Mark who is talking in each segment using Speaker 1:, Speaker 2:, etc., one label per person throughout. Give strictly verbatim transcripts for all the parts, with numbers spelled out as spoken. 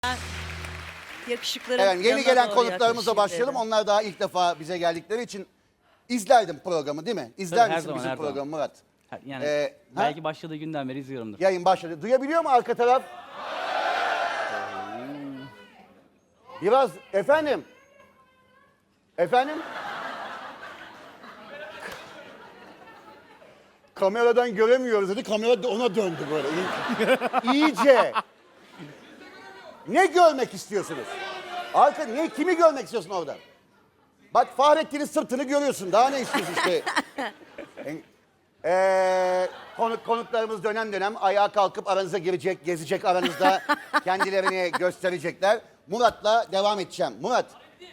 Speaker 1: Yakışıkların
Speaker 2: Evet, yeni
Speaker 1: yanına
Speaker 2: gelen
Speaker 1: doğru
Speaker 2: konuklarımıza
Speaker 1: yaklaşayım
Speaker 2: başlayalım.
Speaker 1: dedim.
Speaker 2: Onlar daha ilk defa bize geldikleri için izlerdim programı değil mi? İzler
Speaker 3: Tabii, her
Speaker 2: misin
Speaker 3: zaman,
Speaker 2: bizim
Speaker 3: her zaman.
Speaker 2: programı Murat?
Speaker 3: Ha, Yani
Speaker 2: Ee, ha?
Speaker 3: belki başladığı günden beri izliyorumdur.
Speaker 2: Yayın başladı. Duyabiliyor mu arka taraf? Biraz efendim. Efendim? Kameradan göremiyoruz dedi. Kamera da ona döndü böyle. İyi- İyice. Ne görmek istiyorsunuz? Arka ne kimi görmek istiyorsun oradan? Bak Fahrettin'in sırtını görüyorsun. Daha ne istiyorsun işte? Ee, konuk, konuklarımız dönem dönem ayağa kalkıp aranıza girecek, gezecek aranızda. Kendilerini gösterecekler. Murat'la devam edeceğim. Murat.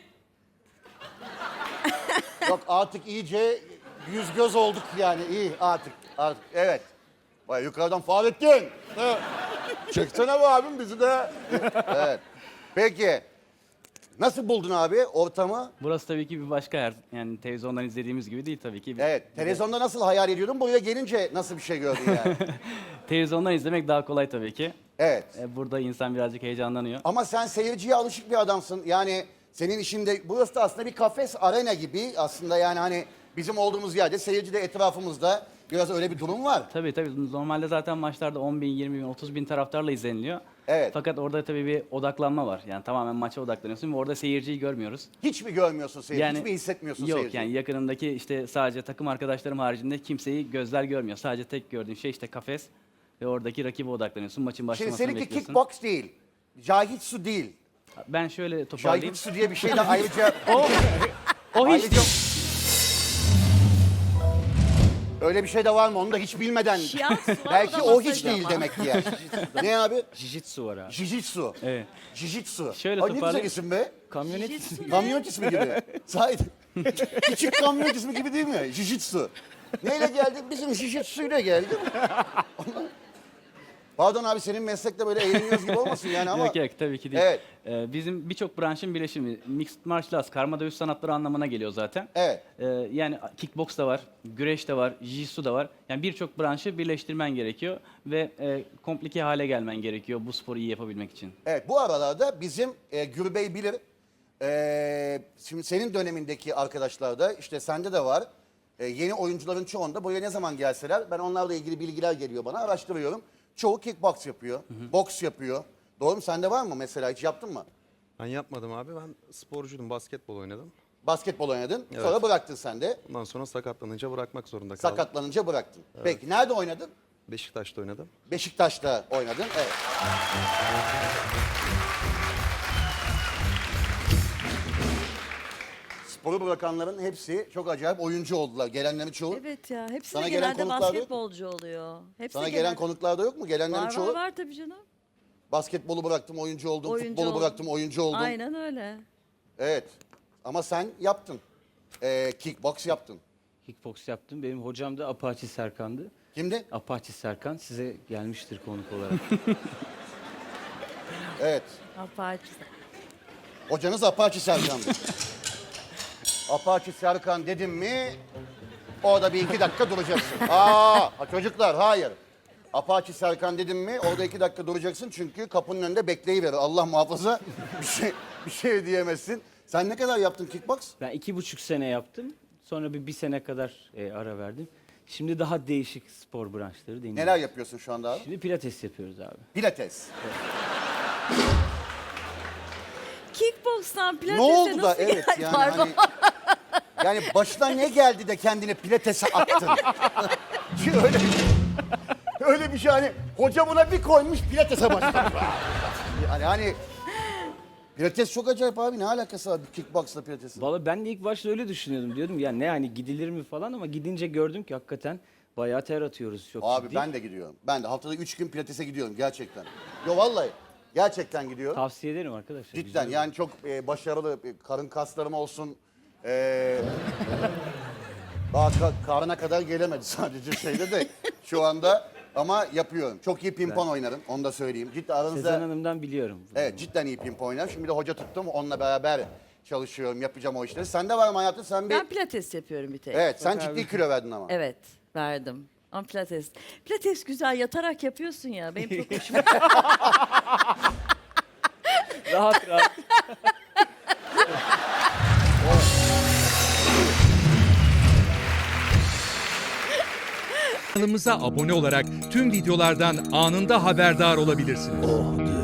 Speaker 2: Yok artık iyice yüz göz olduk yani. İyi artık. artık. Evet. Vay yukarıdan Fahrettin. Evet. Çeksene bu abim bizi de. Evet. Peki. Nasıl buldun abi ortamı?
Speaker 3: Burası tabii ki bir başka yer. Yani televizyondan izlediğimiz gibi değil tabii ki. Bir-
Speaker 2: Evet. Televizyonda nasıl hayal ediyordun? Buraya gelince nasıl bir şey gördün yani?
Speaker 3: Televizyondan izlemek daha kolay tabii ki.
Speaker 2: Evet.
Speaker 3: E, Burada insan birazcık heyecanlanıyor.
Speaker 2: Ama sen seyirciye alışık bir adamsın. Yani senin işinde burası da aslında bir kafes arena gibi aslında yani hani bizim olduğumuz yerde seyirci de etrafımızda biraz öyle bir durum var.
Speaker 3: Tabii tabii. Normalde zaten maçlarda on bin, yirmi bin, otuz bin taraftarla izleniliyor.
Speaker 2: Evet.
Speaker 3: Fakat orada tabii bir odaklanma var. Yani tamamen maça odaklanıyorsun ve orada seyirciyi görmüyoruz.
Speaker 2: Hiç mi görmüyorsun seyirci? Hiç mi hissetmiyorsun
Speaker 3: yok,
Speaker 2: seyirciyi?
Speaker 3: yani yakınımdaki işte sadece takım arkadaşlarım haricinde kimseyi gözler görmüyor. Sadece tek gördüğün şey işte kafes ve oradaki rakibe odaklanıyorsun. Maçın
Speaker 2: Şimdi
Speaker 3: başlamasını
Speaker 2: seninki
Speaker 3: bekliyorsun.
Speaker 2: kickbox değil. Jahitsu değil.
Speaker 3: Ben şöyle toparlayayım.
Speaker 2: Jahitsu diye bir şey de ayrıca...
Speaker 3: O hiç
Speaker 2: ayrıca... Öyle bir şey de var mı onu da hiç bilmeden.
Speaker 1: Shiatsu var,
Speaker 2: Belki
Speaker 1: o da
Speaker 2: o hiç
Speaker 1: masaj
Speaker 2: değil
Speaker 1: ama.
Speaker 2: demek ki yani. Ne abi?
Speaker 4: Jijitsu var abi.
Speaker 2: Jijitsu.
Speaker 3: Evet.
Speaker 2: Jijitsu.
Speaker 3: Şöyle
Speaker 2: Ay ne güzel
Speaker 3: toparlayayım.
Speaker 2: isim be.
Speaker 4: Kamyonet
Speaker 1: Jijitsu ne?
Speaker 2: Kamyonet ismi gibi. Sahiden. Küçük kamyonet ismi gibi değil mi? Jijitsu. Neyle geldik? Bizim Jijitsu'yla geldik. Pardon abi senin meslekte böyle eğleniyoruz gibi olmasın yani ama.
Speaker 3: Yok yok tabii ki değil.
Speaker 2: Evet.
Speaker 3: Ee, bizim birçok branşın birleşimi. Mixed martial arts, karma dövüş sanatları anlamına geliyor zaten.
Speaker 2: Evet.
Speaker 3: Ee, yani kickbox da var, güreş de var, jiu-jitsu da var. Yani birçok branşı birleştirmen gerekiyor ve e, komplike hale gelmen gerekiyor bu sporu iyi yapabilmek için.
Speaker 2: Evet bu aralarda bizim e, Gürbey bilir. E, şimdi senin dönemindeki arkadaşlar da işte sende de var. E, yeni oyuncuların çoğunda buraya ne zaman gelseler ben onlarla ilgili bilgiler geliyor bana araştırıyorum. Çoğu kickbox yapıyor, boks yapıyor. Doğru mu? Sende var mı mesela hiç yaptın mı?
Speaker 4: Ben yapmadım abi. Ben sporcuydum. Basketbol oynadım.
Speaker 2: Basketbol oynadın
Speaker 4: Evet.
Speaker 2: sonra bıraktın sen de.
Speaker 4: Ondan sonra sakatlanınca bırakmak zorunda kaldım.
Speaker 2: Sakatlanınca bıraktın. Peki nerede oynadın?
Speaker 4: Beşiktaş'ta oynadım.
Speaker 2: Beşiktaş'ta oynadın. Evet. Sporu bırakanların hepsi çok acayip oyuncu oldular. Gelenlerin çoğu.
Speaker 1: Evet ya hepsi
Speaker 2: Sana
Speaker 1: de
Speaker 2: gelen
Speaker 1: genelde
Speaker 2: konuklar yok mu?
Speaker 1: basketbolcu oluyor. Hepsi
Speaker 2: Sana
Speaker 1: de
Speaker 2: gelen
Speaker 1: genelde-
Speaker 2: konuklarda yok mu? Gelenlerin
Speaker 1: Var
Speaker 2: çoğu.
Speaker 1: var var tabii canım.
Speaker 2: Basketbolu bıraktım, oyuncu oldum.
Speaker 1: Oyuncu
Speaker 2: Futbolu
Speaker 1: oldum.
Speaker 2: bıraktım, oyuncu oldum.
Speaker 1: Aynen öyle.
Speaker 2: Evet. Ama sen yaptın. Ee, kickbox yaptın.
Speaker 5: Kickbox yaptım. Benim hocam da Apache Serkan'dı.
Speaker 2: Kimdi?
Speaker 5: Apache Serkan size gelmiştir konuk olarak.
Speaker 2: Evet.
Speaker 1: Apache.
Speaker 2: Hocanız Apache Serkan'dı. Apache Serkan dedim mi orada bir iki dakika duracaksın. Aa ha çocuklar hayır. Apache Serkan dedim mi orada iki dakika duracaksın çünkü kapının önünde bekleyiverir. Allah muhafaza bir şey, bir şey diyemezsin. Sen ne kadar yaptın kickbox?
Speaker 5: Ben iki buçuk sene yaptım. Sonra bir, bir sene kadar e, ara verdim. Şimdi daha değişik spor branşları deniyoruz.
Speaker 2: Neler yapıyorsun şu anda abi?
Speaker 5: Şimdi pilates yapıyoruz abi.
Speaker 2: Pilates.
Speaker 1: Kickbox'tan
Speaker 2: Ne
Speaker 1: pilatese
Speaker 2: oldu da
Speaker 1: nasıl
Speaker 2: evet
Speaker 1: geldi?
Speaker 2: yani
Speaker 1: Pardon.
Speaker 2: hani yani başına ne geldi de kendini pilatese attın? Çünkü öyle öyle bir şey hani hoca buna bir koymuş pilatese başlamış. Yani hani pilates çok acayip abi ne alakası var kickboxla pilatesin?
Speaker 5: Vallahi ben de ilk başta öyle düşünüyordum. Diyordum ya ne hani gidilir mi falan ama gidince gördüm ki hakikaten bayağı ter atıyoruz çok
Speaker 2: Abi
Speaker 5: ciddi.
Speaker 2: ben de gidiyorum. Ben de haftada üç gün pilatese gidiyorum gerçekten. Yo vallahi gerçekten gidiyorum.
Speaker 5: Tavsiye ederim arkadaşlar.
Speaker 2: Cidden
Speaker 5: güzel.
Speaker 2: yani çok e, başarılı e, karın kaslarım olsun. E, daha ka- karına kadar gelemedi sadece şeyde de şu anda ama yapıyorum. Çok iyi pimpon oynarım onu da söyleyeyim. Cidden aranızda
Speaker 5: Sezen Hanım'dan biliyorum.
Speaker 2: evet cidden iyi pimpon oynarım. Şimdi de hoca tuttum onunla beraber çalışıyorum yapacağım o işleri. Sende var mı hayatım sen bir
Speaker 1: Ben pilates yapıyorum bir tek.
Speaker 2: evet sen ciddi kilo verdin ama.
Speaker 1: Evet verdim. Ama pilates. Pilates güzel yatarak yapıyorsun ya. Benim çok hoşuma
Speaker 5: rahat rahat.
Speaker 6: Kanalımıza abone olarak tüm videolardan anında haberdar olabilirsiniz.